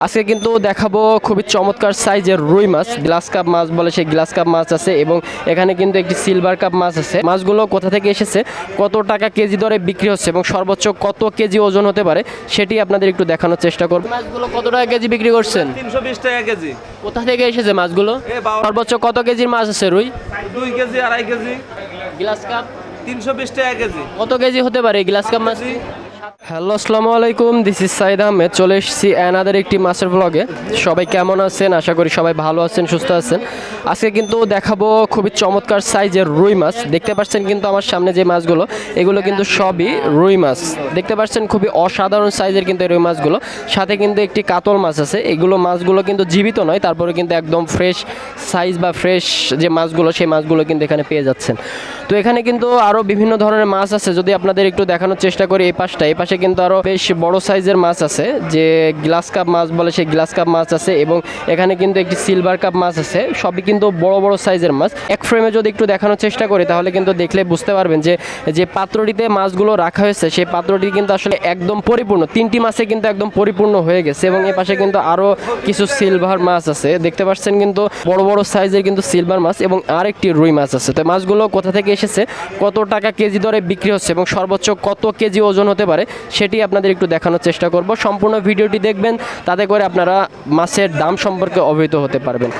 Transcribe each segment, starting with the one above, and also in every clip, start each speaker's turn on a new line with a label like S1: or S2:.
S1: আজকে কিন্তু দেখাবো খুবই চমৎকার সাইজের রুই মাছ, গ্লাস কাপ মাছ বলে সেই গ্লাস কাপ মাছ আছে এবং এখানে কিন্তু একটি সিলভার কাপ মাছ আছে। মাছগুলো কোথা থেকে এসেছে, কত টাকা কেজি দরে বিক্রি হচ্ছে এবং সর্বোচ্চ কত কেজি ওজন হতে পারে সেটি আপনাদের একটু দেখানোর চেষ্টা করব। মাছগুলো কত টাকা কেজি বিক্রি করছেন?
S2: 320 টাকা কেজি।
S1: কোথা থেকে এসেছে মাছগুলো? সর্বোচ্চ কত কেজির মাছ আছে রুই?
S2: 2 কেজি, 2.5 কেজি।
S1: গ্লাস কাপ
S2: 320 টাকা কেজি।
S1: কত কেজি হতে পারে এই গ্লাস কাপ মাছ? হ্যালো, আসসালামু আলাইকুম, দিস ইজ সাইদ আহমেদ। চলে এসেছি অ্যানাদার একটি মাছের ব্লগে। সবাই কেমন আছেন? আশা করি সবাই ভালো আছেন, সুস্থ আছেন। আজকে কিন্তু দেখাবো খুবই চমৎকার সাইজের রুই মাছ। দেখতে পাচ্ছেন কিন্তু আমার সামনে যে মাছগুলো, এগুলো কিন্তু সবই রুই মাছ। দেখতে পাচ্ছেন খুবই অসাধারণ সাইজের কিন্তু এই রুই মাছগুলো। সাথে কিন্তু একটি কাতল মাছ আছে। এগুলো মাছগুলো কিন্তু জীবিত নয়, তারপরে কিন্তু একদম ফ্রেশ সাইজ বা ফ্রেশ যে মাছগুলো, সেই মাছগুলো কিন্তু এখানে পেয়ে যাচ্ছেন। তো এখানে কিন্তু আরও বিভিন্ন ধরনের মাছ আছে। যদি আপনাদের একটু দেখানোর চেষ্টা করি, এই পাশে কিন্তু আরও বেশ বড় সাইজের মাছ আছে, যে গ্লাস কাপ মাছ বলে সেই গ্লাস কাপ মাছ আছে এবং এখানে কিন্তু একটি সিলভার কাপ মাছ আছে। সবই কিন্তু বড় বড় সাইজের মাছ। এক ফ্রেমে যদি একটু দেখানোর চেষ্টা করি তাহলে কিন্তু দেখলে বুঝতে পারবেন যে যে পাত্রটিতে মাছগুলো রাখা হয়েছে সেই পাত্রটি কিন্তু আসলে একদম পরিপূর্ণ। 3টি মাছে কিন্তু একদম পরিপূর্ণ হয়ে গেছে এবং এ পাশে কিন্তু আরও কিছু সিলভার মাছ আছে। দেখতে পাচ্ছেন কিন্তু বড় বড় সাইজের কিন্তু সিলভার মাছ এবং আরেকটি রুই মাছ আছে। তো মাছগুলো কোথা থেকে এসেছে, কত টাকা কেজি দরে বিক্রি হচ্ছে এবং সর্বোচ্চ কত কেজি ওজন হতে পারে সেটি আপনাদের একটু দেখানোর চেষ্টা করব। সম্পূর্ণ ভিডিওটি দেখবেন, তাতে করে আপনারা মাছের দাম সম্পর্কে অবহিত হতে পারবেন।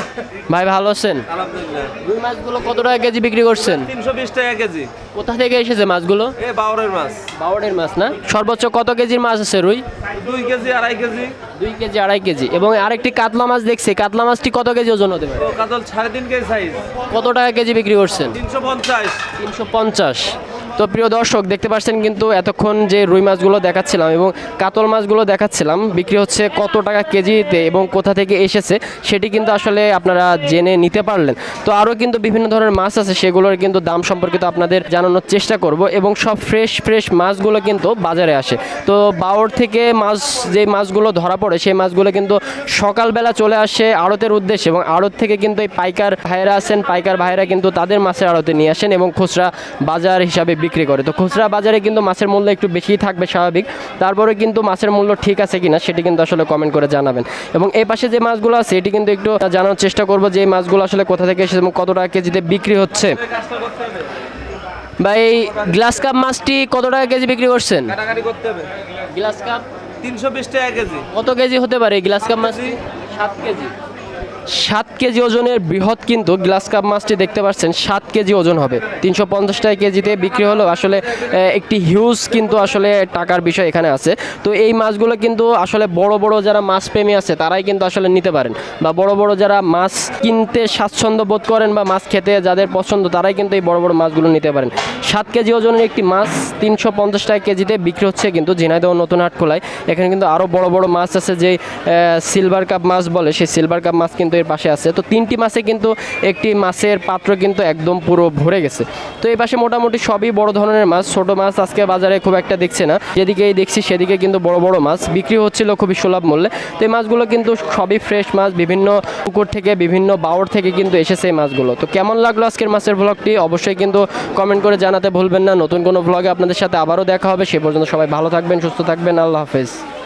S1: ভাই ভালো আছেন?
S2: আলহামদুলিল্লাহ।
S1: রুই মাছগুলো কত টাকা কেজি বিক্রি করছেন?
S2: 320 টাকা কেজি।
S1: কোথা থেকে এসেছে মাছগুলো?
S2: বাউরের মাছ।
S1: বাওড়ের মাছ না? সর্বোচ্চ কত কেজির মাছ আছে রুই?
S2: 2 কেজি, 2.5 কেজি।
S1: 2 KG, 2.5 KG. এবং আরেকটি কাতলা মাছ দেখছি, কাতলা মাছটি কত কেজি ওজন হতে পারে?
S2: ও কাতল 3.5 কেজি সাইজ।
S1: কত টাকা কেজি বিক্রি করছেন?
S2: 350।
S1: 350। তো প্রিয় দর্শক, দেখতে পাচ্ছেন কিন্তু এতক্ষণ যে রুই মাছগুলো দেখাচ্ছিলাম এবং কাতল মাছগুলো দেখাচ্ছিলাম বিক্রি হচ্ছে কত টাকা কেজিতে এবং কোথা থেকে এসেছে সেটি কিন্তু আসলে আপনারা জেনে নিতে পারলেন। তো আরও কিন্তু বিভিন্ন ধরনের মাছ আছে, সেগুলোর কিন্তু দাম সম্পর্কিত আপনাদের জানানোর চেষ্টা করব এবং সব ফ্রেশ মাছগুলো কিন্তু বাজারে আসে। তো বাওড় থেকে মাছ, যে মাছগুলো ধরা পড়ে সেই মাছগুলো কিন্তু সকালবেলা চলে আসে আড়তের উদ্দেশ্যে এবং আড়ত থেকে কিন্তু এই পাইকার ভাইয়েরা আছেন, পাইকার ভাইয়েরা কিন্তু তাদের মাছের আড়তে নিয়ে আসেন এবং খুচরা বাজার হিসাবে বিক্রি করে। তো খুচরা বাজারে কিন্তু মাছের মূল্য একটু বেশিই থাকবে স্বাভাবিক, তারপরে কিন্তু মাছের মূল্য ঠিক আছে কিনা সেটি কিন্তু আসলে কমেন্ট করে জানাবেন। এবং এই পাশে যে মাছগুলো আছে এটি কিন্তু একটু জানার চেষ্টা করব যে এই মাছগুলো আসলে কোথা থেকে এসেছে এবং কত টাকা কেজিতে বিক্রি হচ্ছে। ভাই, গ্লাস কাপ মাছটি কত টাকা কেজি বিক্রি করছেন?
S2: কাটাকাটি করতে হবে।
S1: গ্লাস কাপ
S2: 320 টাকা কেজি।
S1: কত কেজি হতে পারে এই গ্লাস কাপ মাছটি? 7 কেজি। 7 কেজি ওজনের বৃহৎ কিন্তু গ্লাস কাপ মাছটি দেখতে পাচ্ছেন 7 কেজি ওজন হবে। 350 টাকা কেজিতে বিক্রি হলো। আসলে একটি হিউজ কিন্তু আসলে টাকার বিষয় এখানে আছে। তো এই মাছগুলো কিন্তু আসলে বড় বড় যারা মাছ প্রেমী আছে তারাই কিন্তু আসলে নিতে পারেন, বা বড় বড় যারা মাছ কিনতে স্বাচ্ছন্দ্য বোধ করেন বা মাছ খেতে যাদের পছন্দ তারাই কিন্তু এই বড় বড় মাছগুলো নিতে পারেন। 7 কেজি ওজনের একটি মাছ 350 টাকা কেজিতে বিক্রি হচ্ছে কিন্তু ঝিনাইদহ নতুন হাট খোলায়। এখানে কিন্তু আরও বড় বড় মাছ আছে, যে সিলভার কাপ মাছ বলে সেই সিলভার কাপ মাছ কিন্তু এর পাশে আছে। তো 3টি মাছে কিন্তু একটি মাছের পাত্র কিন্তু একদম পুরো ভরে গেছে। তো এই পাশে মোটামুটি সবই বড় ধরনের মাছ, ছোট মাছ আজকে বাজারে খুব একটা দেখছে না, যেদিকেই দেখছি সেদিকে কিন্তু বড় বড় মাছ বিক্রি হচ্ছিল খুবই সুলভ মূল্যে। তো এই মাছগুলো কিন্তু সবই ফ্রেশ মাছ, বিভিন্ন পুকুর থেকে বিভিন্ন বাওড় থেকে কিন্তু এসেছে এই মাছগুলো। তো কেমন লাগলো আজকের মাছের ব্লগটি অবশ্যই কিন্তু কমেন্ট করে জানাতে ভুলবেন না। নতুন কোনো ব্লগে আপনাদের সাথে আবারও দেখা হবে। সে পর্যন্ত সবাই ভালো থাকবেন, সুস্থ থাকবেন। আল্লাহ হাফেজ।